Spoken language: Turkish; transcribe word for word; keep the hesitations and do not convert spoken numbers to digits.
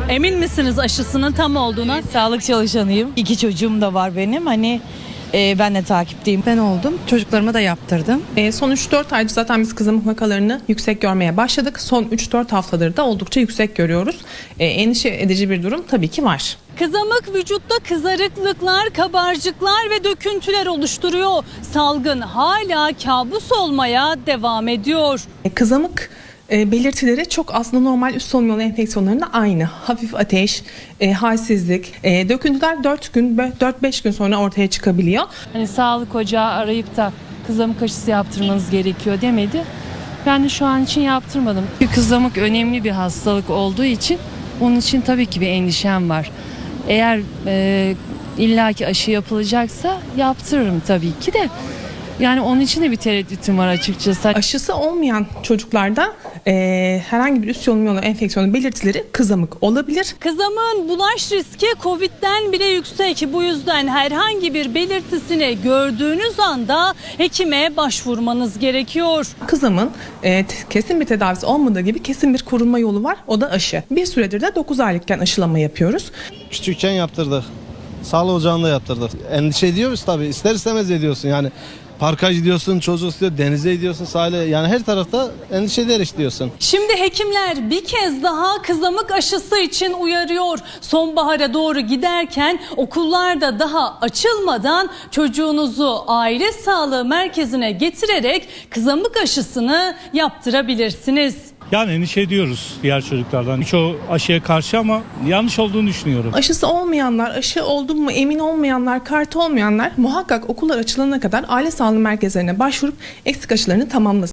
Emin misiniz aşısının tam olduğuna? Sağlık çalışanıyım. İki çocuğum da var benim. Hani e, ben de takipteyim. Ben oldum. Çocuklarıma da yaptırdım. E, son üç dört aydır zaten biz kızamık vakalarını yüksek görmeye başladık. Son üç dört haftadır da oldukça yüksek görüyoruz. E, endişe edici bir durum tabii ki var. Kızamık vücutta kızarıklıklar, kabarcıklar ve döküntüler oluşturuyor. Salgın hala kabus olmaya devam ediyor. E, kızamık e, belirtileri çok aslında normal üst solunum yolu enfeksiyonlarında aynı. Hafif ateş, e, halsizlik, e, döküntüler dört gün, dört beş gün sonra ortaya çıkabiliyor. Hani sağlık ocağı arayıp da kızamık aşısı yaptırmanız gerekiyor demedi. Ben de şu an için yaptırmadım. Çünkü kızamık önemli bir hastalık olduğu için onun için tabii ki bir endişem var. Eğer e, illaki aşı yapılacaksa yaptırırım tabii ki de. Yani onun için de bir tereddütüm var açıkçası. Aşısı olmayan çocuklarda e, herhangi bir üst solunum yolu enfeksiyonu belirtileri kızamık olabilir. Kızamığın bulaş riski Covid'den bile yüksek. Bu yüzden herhangi bir belirtisini gördüğünüz anda hekime başvurmanız gerekiyor. Kızamın e, t- kesin bir tedavisi olmadığı gibi kesin bir korunma yolu var. O da aşı. Bir süredir de dokuz aylıkken aşılama yapıyoruz. Küçükken yaptırdık. Sağlık ocağında yaptırdık. Endişe ediyoruz tabii. İster istemez ediyorsun yani. Parka gidiyorsun, çocuk istiyor, denize gidiyorsun, sahile. Yani her tarafta endişe ederek gidiyorsun. Şimdi hekimler bir kez daha kızamık aşısı için uyarıyor. Sonbahara doğru giderken okullarda daha açılmadan çocuğunuzu aile sağlığı merkezine getirerek kızamık aşısını yaptırabilirsiniz. Yani endişe ediyoruz diğer çocuklardan. Çoğu aşıya karşı ama yanlış olduğunu düşünüyorum. Aşısı olmayanlar, aşı oldum mu emin olmayanlar, kartı olmayanlar muhakkak okullar açılana kadar aile sağlığı merkezlerine başvurup eksik aşılarını tamamlasın.